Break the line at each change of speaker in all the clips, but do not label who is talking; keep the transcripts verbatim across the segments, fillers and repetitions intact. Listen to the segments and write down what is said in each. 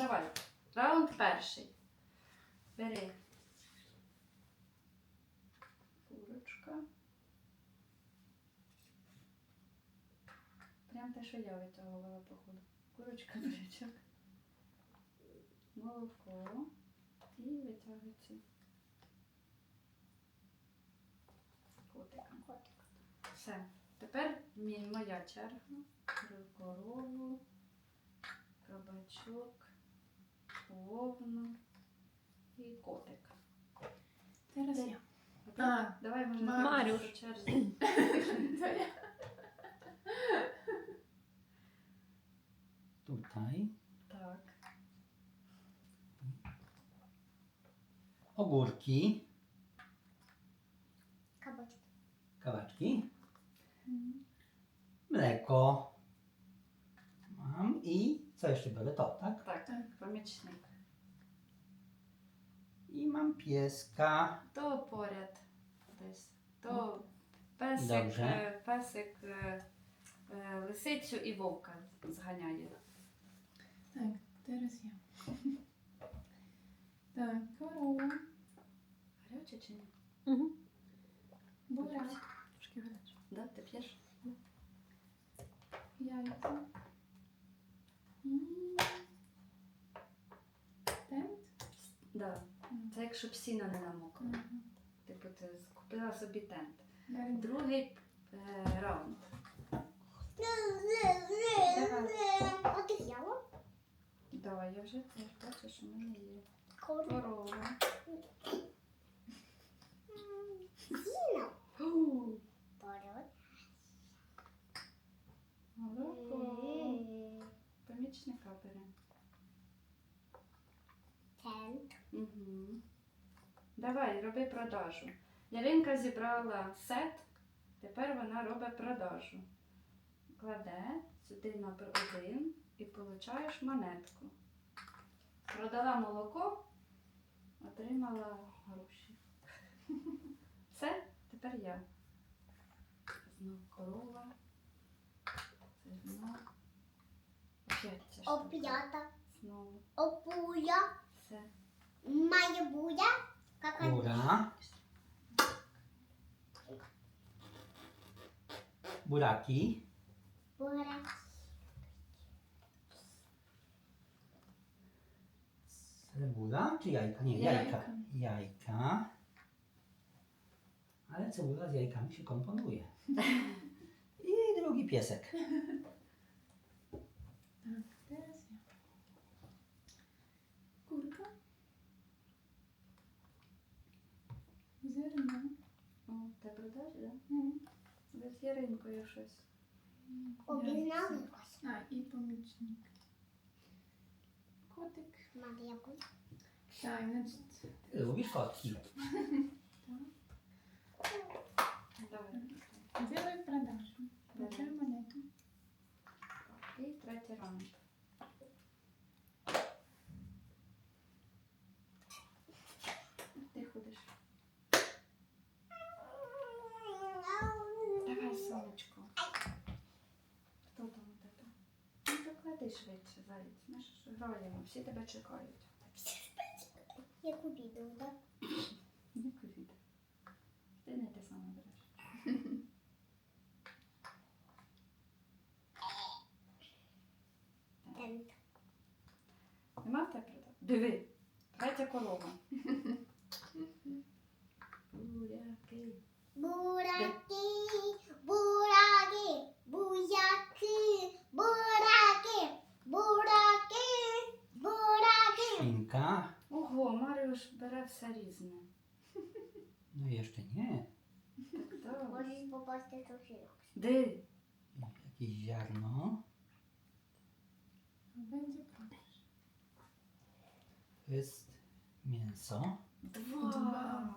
давай. Раунд перший. Бери. Курочка. Прям те, що я витягувала, походу. Курочка, бурячок. Молоко. І витягується. Котика.
Котик.
Все. Тепер мій- моя черга. Беру корову, кабачок, вовну і котик.
Teraz
Ти-
ja.
А ти?
А,
Давай, може,
Ма-
так
Марюш.
по черзі.
To ja.
Tutaj
Так.
ogórki,
Кабачки.
kawaczki, mleko mam i co jeszcze biorę? To, tak?
Так,
Так.
помічник.
I mam pieska.
То поряд десь. То песик,
Добре.
е, песик е, е, лисицю і вовка зганяє.
Tak, teraz ja. Tak, korowa,
Гаряче чи ні?
burak,
Трошки гаряче. Да, ти п'єш?
jajko i tent.
Да. Це якщо б сіно не намокло. Типу ти купила собі тент.
Dalej.
Другий е, раунд.
А ти взяла?
Давай, я вже теж бачу, що в мене є
Корова.
корова.
Зіна.
Фу,
Поряд.
молоко. Помічника бере.
Тент.
Угу. Давай, роби продажу. Яринка зібрала сет, тепер вона робить продажу. Кладе сюди на один і получаєш монетку. Продала молоко, отримала гроші. Все, тепер я. Знов корова. Це знов. Опять ця штука.
Оп'ята.
Знову.
Опуя.
Все.
Має буя. Кака.
Kura. Buraki.
Бурак.
Cebula czy jajka? Nie,
Jajka.
jajka. Jajka. Ale cebula z jajkami się komponuje. I drugi piesek.
Tak, teraz ja. Kurka. Zerno.
О, ти продажі, так?
Mm.
Да? З Яринкою щось.
Обігналась.
A, i pomічник. Kotyk.
Марія буя.
Tak, значить,
Ty lubisz kotki.
Давай.
делай продажу. Получай монету.
І третій раунд. Ти ходиш. Давай, сонечко. Хто там у тебе? Ну, поклади швидше, заєць. Ми ж граємо, всі тебе чекають.
Яку відео, так?
Яку відео? Ти не те саме береш.
Тент.
Нема в тебе продаж? Диви, третя корова. Буряки.
Бураки, бураки, буяки, бураки, бураки, бураки.
Świnka.
Ого, Маріуш бере все різне.
No jeszcze nie.
Так.
Можеш попасти до жінок.
Де?
Jakieś ziarno.
Będzie prodaż.
To jest mięso.
Два.
Два.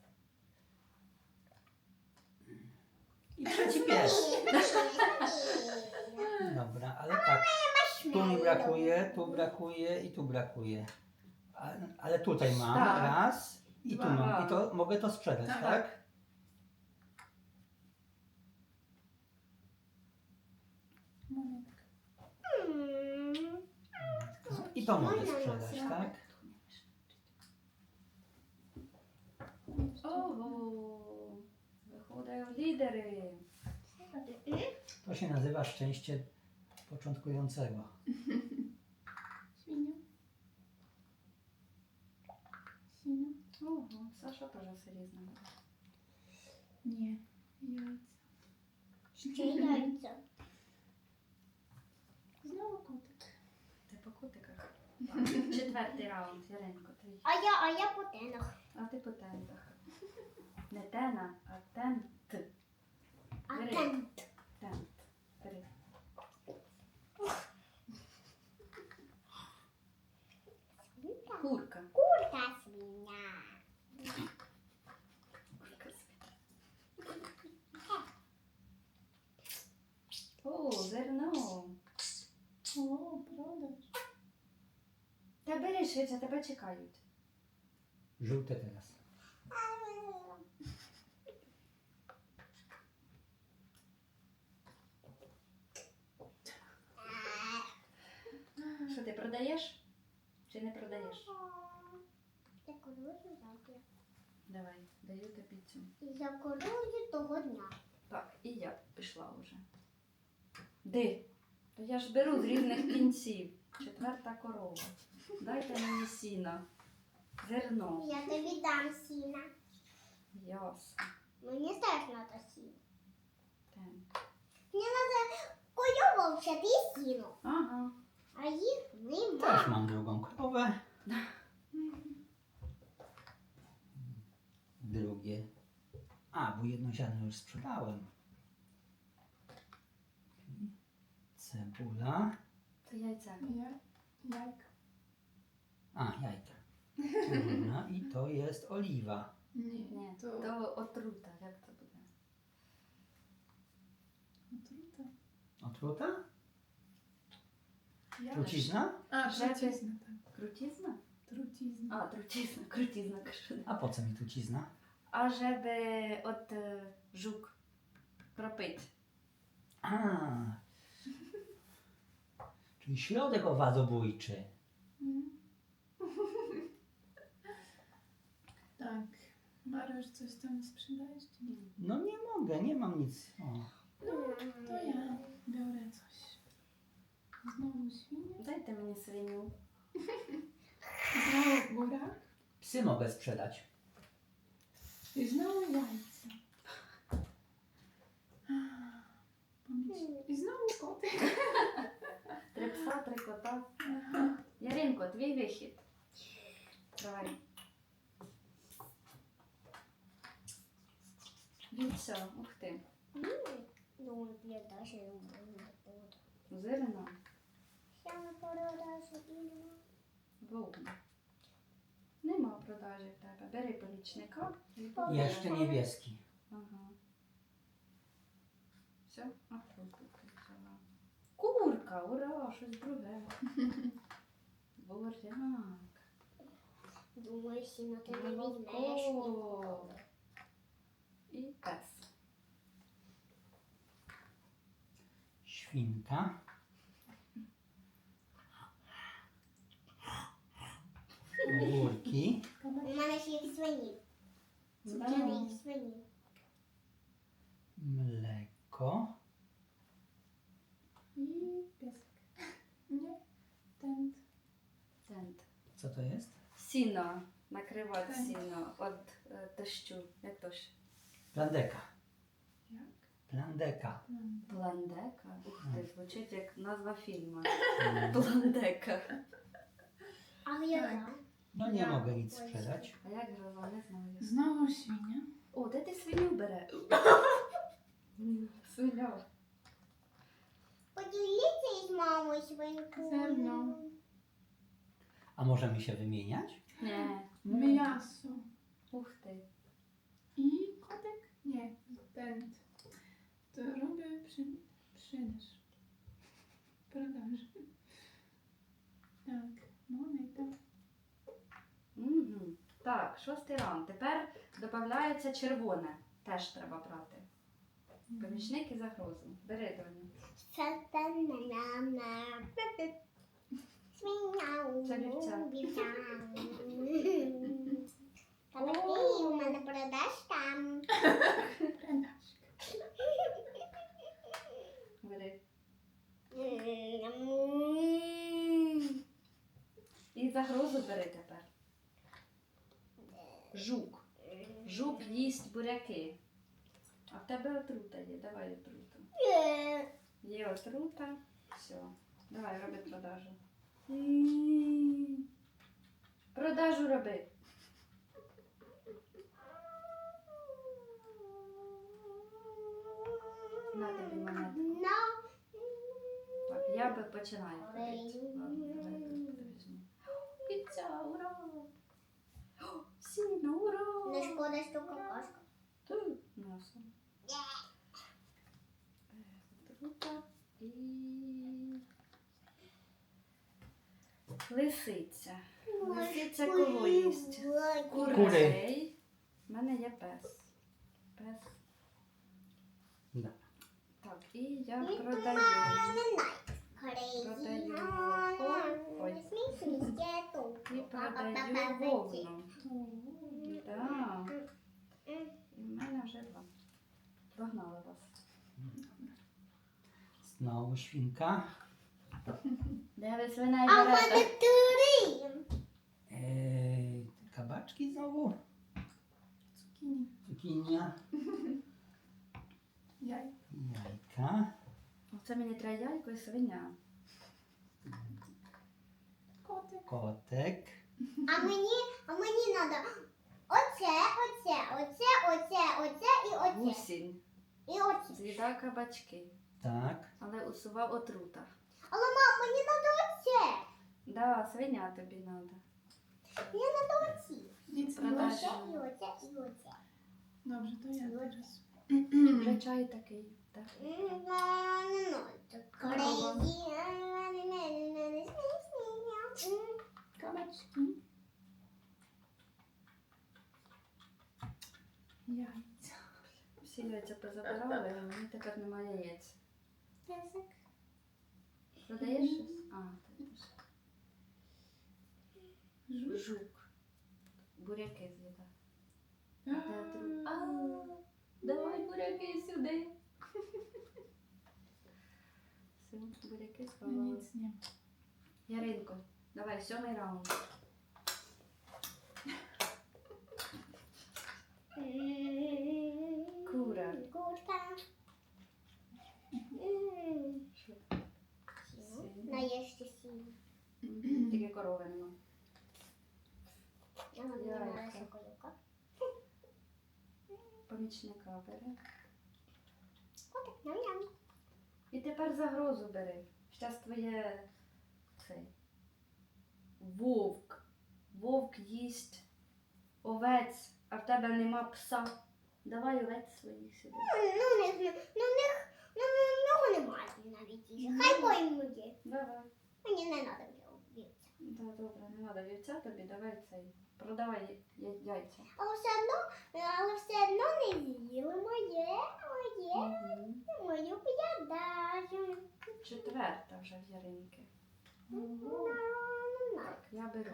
I trzeci pies. Dobra, ale tak. Tu mi brakuje, tu brakuje i tu brakuje. A- Ale tutaj mam
Tak.
raz i tu
Dwa.
mam. I to mogę to sprzedać,
Tak.
tak?
Monetka.
Hmm.
I I to mogę
Można
sprzedać,
ją
tak?
Ого, виходять лідери.
To się nazywa szczęście początkującego.
Świnia. Świnia.
Ого, Саша теж все різне.
Nie. Jajca.
Ще яйця.
Znowu kotek.
Ти по кутиках. Четвертий раунд, Яринко, твій.
А я, а я по тенах.
А ти по тентах. Не тена, а тент.
А
Бери.
тент.
Тент. Бери.
Свинка.
Курка.
Курка свиня.
Курка О, зерно.
О, продаж.
Та бери швидше, тебе чекають.
Żółte teraz.
Що ти продаєш? Чи не продаєш?
Я корую завтра.
Давай, даю тобі цю.
І я корую того дня.
Так, і я пішла вже. Де? То я ж беру з різних кінців. Четверта корова. Дайте мені сіна. Зерно.
Я тобі дам сіна.
Ясно.
Мені теж треба сіно.
Так.
Мені треба корову вчити і сіно.
Ага.
А їх
Też
нема.
mam drugą krowę. Drugie. A, bo jedno ziarno już sprzedałem. Cebula.
Це яйця.
Ja. Jajka.
A, jajka. Cebula. I to jest oliwa.
Nie.
Ні,
To
то отрута. Як це буде?
otruta.
Otruta?
Ja.
Trucizna?
A,
Żeby-
trucizna, tak.
Крутізна?
Trucizna.
А, трутізна, крутізна кажу.
A po co mi trucizna?
А żeby от е, жук кропить.
A. Czyli środek owadobójczy.
Mm. Tak. Mariusz, coś tam sprzedajesz? Czy nie?
No nie mogę, nie mam nic. O.
No, to ja biorę coś. Znowu świnia.
Дайте мені свиню.
Znowu góra.
Psy mogę sprzedać.
I znowu jajce. Pomyśl. I znowu kotek.
Три пса, три кота.
Aha.
Яринко, твій вихід. Давай. Віця, ух ти.
Ну, я даже не буду.
Зелено,
Я не продажу і
вовна. Нема продажі в тебе. Бери помічника. і
Ні.
побери.
Jeszcze niebieski.
Ага. Все? А, курку ти взяла. Курка, ура, щось друге. Буряк.
Думаю, сіно ти не візьмеш.
Молоко. І пес.
Świnka. Ogórki.
У мене ще їх свині.
Да.
Цукерки їх свині.
Mleko.
I piesek. Nie. Tent.
Тент.
Co to jest?
Сіно. Накривати
Так.
сіно від е, дощу. Як то ж?
Plandeka.
Jak?
Plandeka.
Plan.
Пландека? Ух ти, звучить як назва фільму.
Mm.
Пландека.
А я
Так.
дам.
No nie
Ja.
mogę nic sprzedać.
А як же вона, не знаю.
Znowu świnia.
О, де ти свиню бере? Свиня.
Поділіться із мамою свинкою.
Зерно.
A możemy się wymieniać?
Ні.
Miasto.
Ух ти.
I kotek? Nie. Tent. To robię przy, sprzedaż. Продаж. Так. Монета.
Угу. Так, шостий раунд. Тепер додається червоне. Теж треба брати. Помічник і загрозу. Бери, доню.
Та-та-на-на-на. Свиня.
Це вівця.
Вівця. Кабачки у мене продаж там.
Бери. І загрозу бери тепер. Жук. Жук їсть буряки. А в тебе отрута є. Давай отруту. Є отрута. Все. Давай, роби продажу. Продажу роби. На тобі монету.
No.
Так, я би починаю ходити. Ладно, давай я тут візьму. Піця, ура! О, сіно, ура!
Не шкода, що какашка.
Ту, носом. Отрута і... Лисиця. Лисиця кого їсть? Курей. У мене є пес. Пес.
Да.
Так, і я продаю.
Продаю
Ой. І продаю вовну. Так. І в мене вже два. Догнали вас.
Знову свинка.
Де ви свиней
А в мене
берете?
три.
Е, кабачки знову.
Цукіні.
Цукіння.
Яй.
Яйка.
Оце мені треба яйко і свиня.
Котик.
Котик.
А мені, а мені треба оце, оце, оце, оце, оце і оце.
Гусінь.
І оце.
З'їдав кабачки.
Так.
Але усував отрута.
Але мам, мені треба оце.
Да, свиня тобі треба.
Мені треба оці.
Діться,
Продаж.
Оце
можна?
і оце, і оце.
Добре, то я зараз.
Вже чай такий. Так.
Кабачки. Яйця.
Всі яйця позабирали, а мені тепер немає яєць. Продаєш щось? А, ти
Жук.
жук. Буряки з'їдав.
А,
Де отру- А, давай буряки сюди. Все, буряки сховали.
Ніц, ні.
Яринко, давай, сьомий раунд. Кура.
Курка.
Що?
Наєшся сіно.
Мгм, тільки корови нема.
Я вам не
Яйка.
нравится курка.
Помічника бери.
Котик, ням-ням.
І тепер загрозу бери. Щас твоє цей. Вовк. Вовк їсть овець, а в тебе нема пса. Давай овець своїх сюди.
Ну, не знаю. Ну, в них, ну, в нього немає навіть їжі. Хай поймує.
Давай.
Мені не треба його вбити.
Да, добре, не треба вівця тобі, давай цей. Продавай я- яйця.
Але все одно, але все одно не з'їли моє, моє,
Мгм.
мою п'ядажу.
Четверта вже в Яринки. Так, я беру.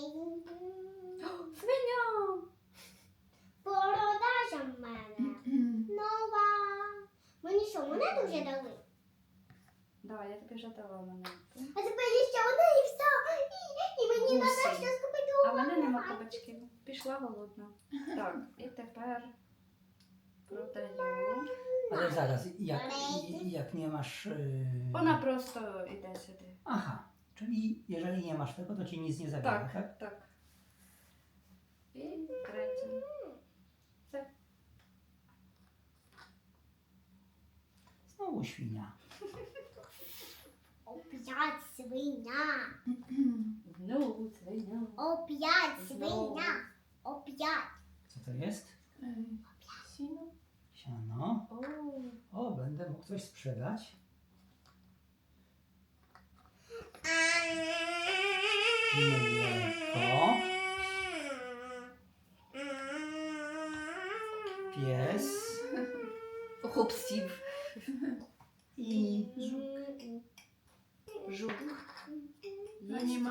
Свиня!
Продажа в мене. Нова. Мені що, монету вже дали?
Да, я тобі вже дала монету.
А тепер є ще одна і все. І, і мені
Гусей.
треба щось купити.
А в мене нема кабачків. Пішла голодна. Так, і тепер продаю.
Ale zaraz, jak, jak nie masz... Yy...
Вона просто йде сюди.
Aha, czyli jeżeli nie masz tego, to ci nic nie zabiera, tak?
Так, так. І третя. Все.
Znowu świnia.
Опять свиня.
Знову свиня.
Опять
Знову.
свиня. Опять.
Co to jest?
Ej, Sino.
Siano.
О,
O, będę mógł coś sprzedać. Mleko. Pies.
хопсів.
I
Żuk.
Жук.
A nie
Їсть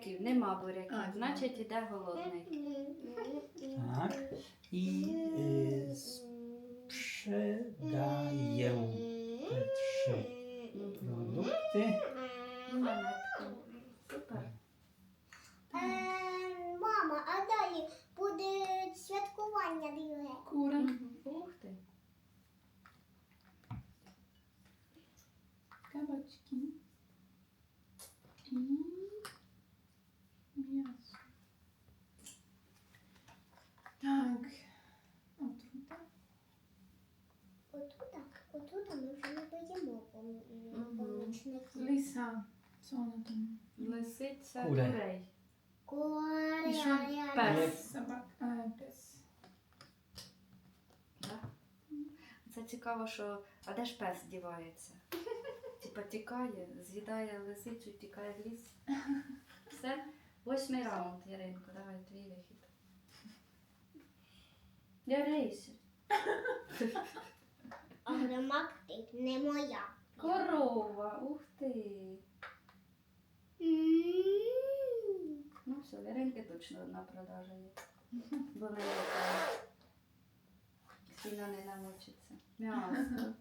буряків, нема буряків,
А,
значить іде голодний.
Так. I y, sprzedaję te trzy produkty.
І монетку. Супер.
Е, Мама, а далі буде святкування друге.
Кура.
Мгм. Ух ти.
Кабачки. І м'ясо. Так. Отрута.
Отут, отут ми вже не поїмо
Мгм.
помічників.
Лиса. Що вона там?
Лисиця
Кури.
курей.
І що?
Куря.
Пес.
Собак. А, пес.
Да? Це цікаво, що. А де ж пес дівається? Типа тікає, з'їдає лисицю, тікає в ліс. Все. Восьмий раунд, Яринко, давай твій вихід. Дивися.
А громадки не моя.
Корова, ух ти.
М.
Ну все, Яринки точно одна продажа є. Бо не є. Сіна не намочиться. М'ясо.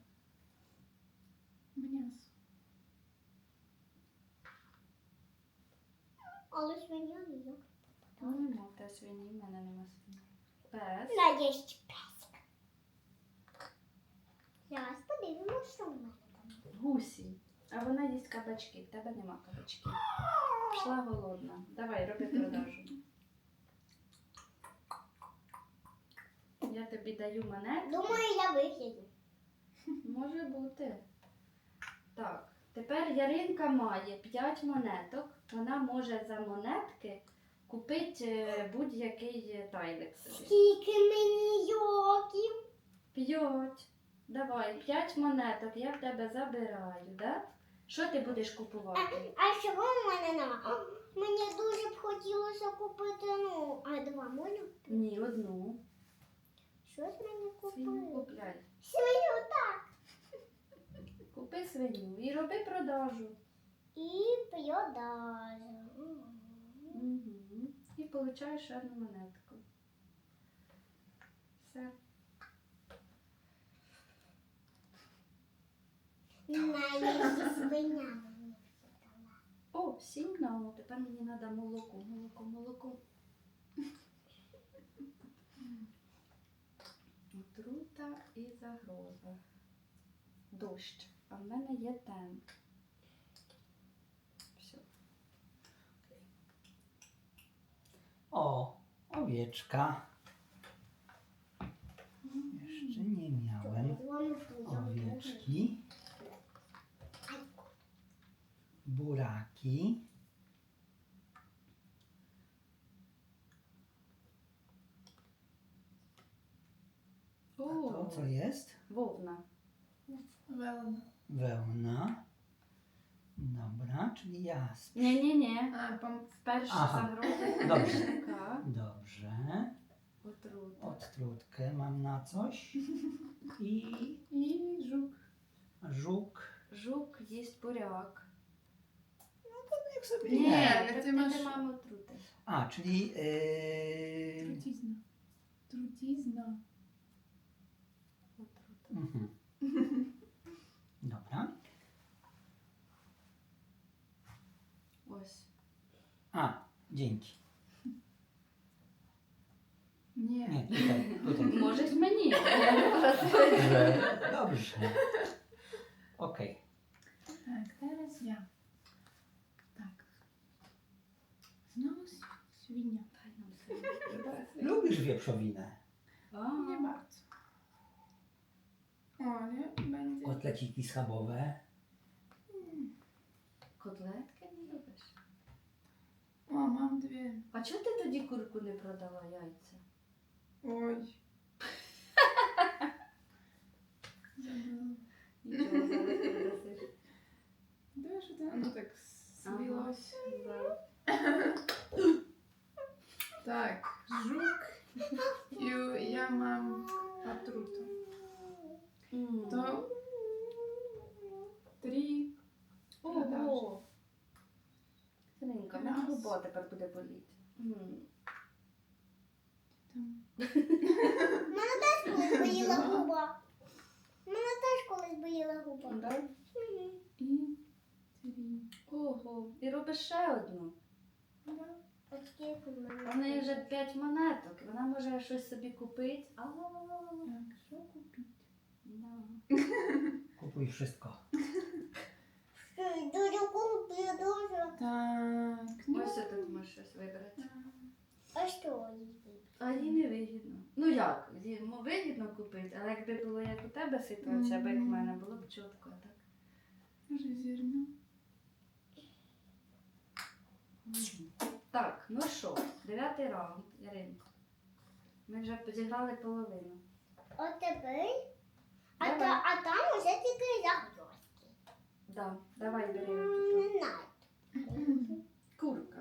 М'ясо.
Але свиня не є.
Ну, нема в те свині, в мене нема свині. Пес.
Наєсть песик. Зараз подивимося, що в мене там.
Гусі. А вона їсть кабачки. В тебе нема кабачків. Пішла голодна. Давай, роби продажу. Я тобі даю монетку.
Думаю, я вихід.
Може бути. Так. Тепер Яринка має п'ять монеток. Вона може за монетки купити е, будь-який тайлик собі.
Скільки мені йоків?
П'ять. Давай, п'ять монеток. Я в тебе забираю, да? Що ти будеш купувати?
А чого в мене нема? А, Мені дуже б хотілося купити, ну, а два можна?
Ні, одну.
Щось мені
Свиню
купити.
купляй.
Свиню, так.
Купи свиню і роби продажу.
І продажу.
Угу. І получаєш одну монетку. Все.
Наїзді свиня мені дала.
О, сигнал. Тепер мені треба молоко, молоко, молоко. Отрута і загроза. Дощ. А в мене є тен. Все.
O, owieczka. Jeszcze nie miałem owieczki. Buraki. A to co jest?
Вовна.
Велна.
Wełna. Dobra, czyli jasp.
Ні-ні-ні.
А, пом...
Перша
Ага.
загроза.
Dobrze.
Така.
Dobrze.
Отрута.
Odtrutkę mam na coś. I
І жук.
żuk.
Жук їсть буряк.
Jak sobie
Ні,
nie.
ale
ти
ти маєш-
мам отрути.
A, czyli yy...
Трутізна. Трутізна.
Отрута.
mhm. Dobra.
Ось.
A, dzięki.
Ні.
Nie, tutaj, tutaj.
Можеш мені.
Dobrze, dobrze. Okej.
Так, зараз я. Так. Знову с- свиня.
Дай нам свиню.
Lubisz wieprzowinę?
А,
Nie bardzo. Ale będzie...
Kotleciki schabowe.
Котлетки не любиш?
О, mam dwie.
А чого ти тоді курку не продала яйця?
Ой. Забыла.
Нічого зараз продасиш.
Да, что-то оно так свелось.
Да.
Так, жук. И я мам отруту.
М.
То три.
Ого. Синенька, ми грубо О, тепер буде боліти. М.
Там.
Мене теж колись боліла губа. Мене теж колись боліла губа.
Да?
Мгм.
І три.
Ого. І робиш ще одну.
Да.
От скільки в мене?
У неї вже п'ять монеток. і Вона може щось собі купити. А,
Так, що купити?
да.
Купуй wszystko.
Дуже куплю, дуже.
Так, ну.
Ось тут можеш щось вибрати.
так.
А що їсти?
А їй не вигідно. Ну як? Йому вигідно купити, але якби було як у тебе ситуація, або як в мене, було б чітко, а так.
Може зерно.
Так, ну що, дев'ятий раунд, Яринко. Ми вже зіграли половину.
От тепер. А,
Давай.
та, а там уже тільки загрозки.
Да, давай бери
М,
оту
Не знаю.
курку.